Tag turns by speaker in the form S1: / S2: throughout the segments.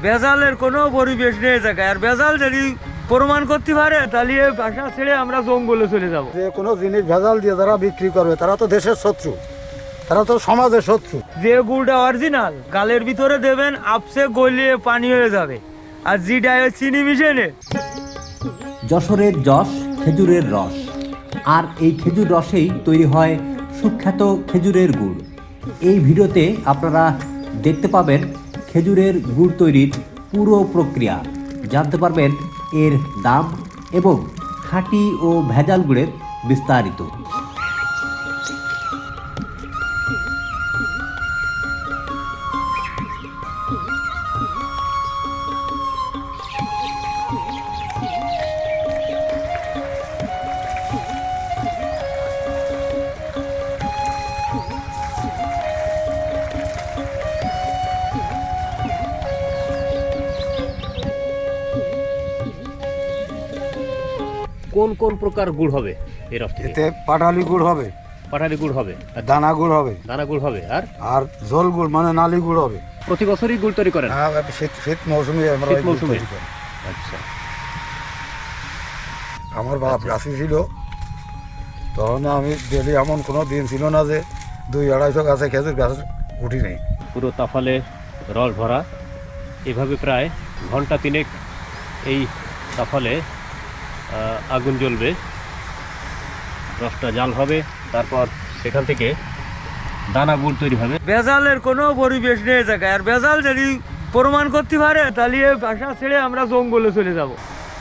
S1: ভেজালের কোনো পরিবেশ নেই জায়গায়। আর ভেজাল যদি প্রমাণ করতে পারে তাহলে এই বাসা ছেড়ে আমরা জঙ্গলে চলে যাব।
S2: যে কোনো জিনিস ভেজাল দিয়ে যারা বিক্রি করবে তারা তো দেশের শত্রু, তারা তো সমাজের শত্রু।
S1: যে গুড়টা অরিজিনাল গালের ভিতরে দেবেন, আপসে গলিয়ে পানি হয়ে যাবে। আর যেটা চিনি মিশিয়ে
S3: যশোরের যশ খেজুরের রস, আর এই খেজুর রসেই তৈরি হয় সুখ্যাত খেজুরের গুড়। এই ভিডিওতে আপনারা দেখতে পাবেন খেজুরের গুড় তৈরির পুরো প্রক্রিয়া, জানতে পারবেন এর দাম এবং খাঁটি ও ভেজাল গুড়ের বিস্তারিত। কোন কোন প্রকার গুড় হবে এই রস থেকে?
S2: এতে পাটালি গুড় হবে,
S3: পাটালি গুড় হবে,
S2: দানা গুড় হবে,
S3: দানা গুড় হবে,
S2: আর ঝোল গুড় মানে নালি গুড় হবে।
S3: প্রতি বছরই গুড় তৈরি করেন?
S2: হ্যাঁ, শীত মৌসুমে আমরা
S3: শীত
S2: এই গুড়
S3: মৌসুমে?
S2: তৈরি করি।
S3: আচ্ছা।
S2: আমার বাপ গাছি ছিল, তখন আমি ডেলি এমন কোনো দিন ছিল না যে 200-250 গাছে খেজুর গাছ উঠি নেই।
S3: পুরো তাফালে রস ভরা, এভাবে প্রায় ঘন্টা তিনেক এই তাফালে আগুন জ্বলবে, রসটা জাল হবে, তারপর সেখান থেকে দানা গুড় তৈরি হবে।
S1: ভেজালের কোনো পরিবেশ নেই জায়গায়। আর ভেজাল যদি প্রমাণ করতে পারে তাহলে এই বাসা ছেড়ে আমরা জঙ্গলে চলে যাব।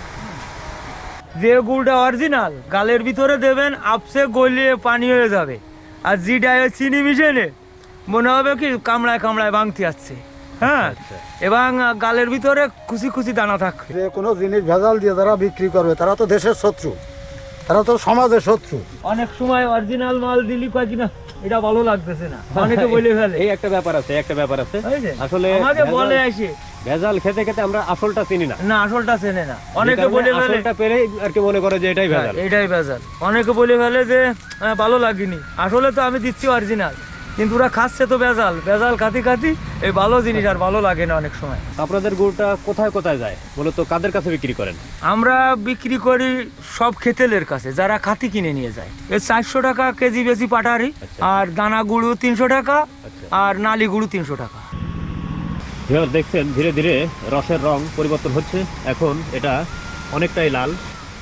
S1: যে গুড়টা অরিজিনাল গালের ভিতরে দেবেন, আপসে গলিয়ে পানি হয়ে যাবে। আর যেটা চিনি মিশিয়ে মনে হবে কি কামড়ায় কামড়ায় ভাঙতে আসছে। হ্যাঁ, এবং গালের ভিতরে খুশি খুশি দানা থাকবে।
S2: যে কোনো জিনিস ভেজাল দিয়ে যারা বিক্রি করবে তারা তো দেশের শত্রু, তারা তো সমাজের শত্রু।
S1: অনেক সময় অরিজিনাল মাল দিলি কয় কিনা এটা ভালো লাগতেছে না, অনেকে বলে ফেলে।
S3: এই একটা ব্যাপার আছে, আসলে
S1: আমাকে বলে আসে
S3: ভেজাল খেতে খেতে আমরা আসলটা চিনি না।
S1: না, আসলটা চেনে না, অনেকে বলে ফেলে
S3: আসলটা পেলে আর কি মনে করে যে এটাই ভেজাল।
S1: এটাই ভেজাল। অনেকে বলে ফেলে যে ভালো লাগেনি, আসলে তো আমি দিচ্ছি অরিজিনাল, কিন্তু ওরা খাচ্ছে তো ভেজাল। ভেজাল খাতি খাতি এই ভালো জিনিস আর ভালো লাগে না অনেক সময়।
S3: আপনাদের গুড়টা কোথায় কোথায় যায়, মূলত কাদের কাছে বিক্রি করেন?
S1: আমরা বিক্রি করি সব খেতেলের কাছে, যারা খাতি কিনে নিয়ে যায়। এর 400 টাকা কেজি বেশি পাটারি, আর দানা গুঁড়ো 300 টাকা, আর নালি গুঁড়ো 300 টাকা।
S3: দেখছেন ধীরে ধীরে রসের রং পরিবর্তন হচ্ছে, এখন এটা অনেকটাই লাল।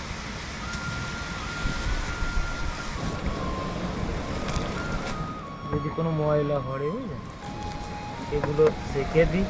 S1: যদি কোনো ময়লা পড়ে এগুলো সেঁকে দিই।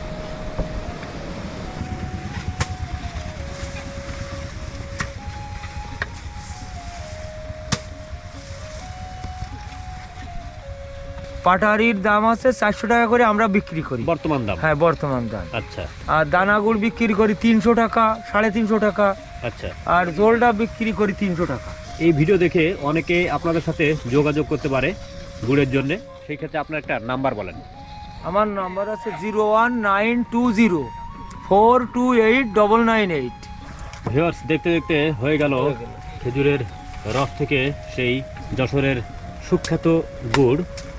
S1: পাটারির দাম আছে 400 টাকা করে আমরা বিক্রি করি
S3: বর্তমান দাম?
S1: হ্যাঁ, বর্তমান দাম।
S3: আচ্ছা।
S1: আর দানা গুড় বিক্রি করি 300 টাকা, 350 টাকা।
S3: আচ্ছা।
S1: আর জলটা বিক্রি করি 300 টাকা।
S3: এই ভিডিও দেখে অনেকে আপনাদের সাথে যোগাযোগ করতে পারে গুড়ের জন্য, সেই ক্ষেত্রে আপনার একটা নাম্বার বলেন।
S1: আমার নাম্বার আছে 01920428998।
S3: ভিউয়ার্স, দেখতে দেখতে হয়ে গেল খেজুরের রস থেকে সেই যশোরের সুখ্যাত গুড়।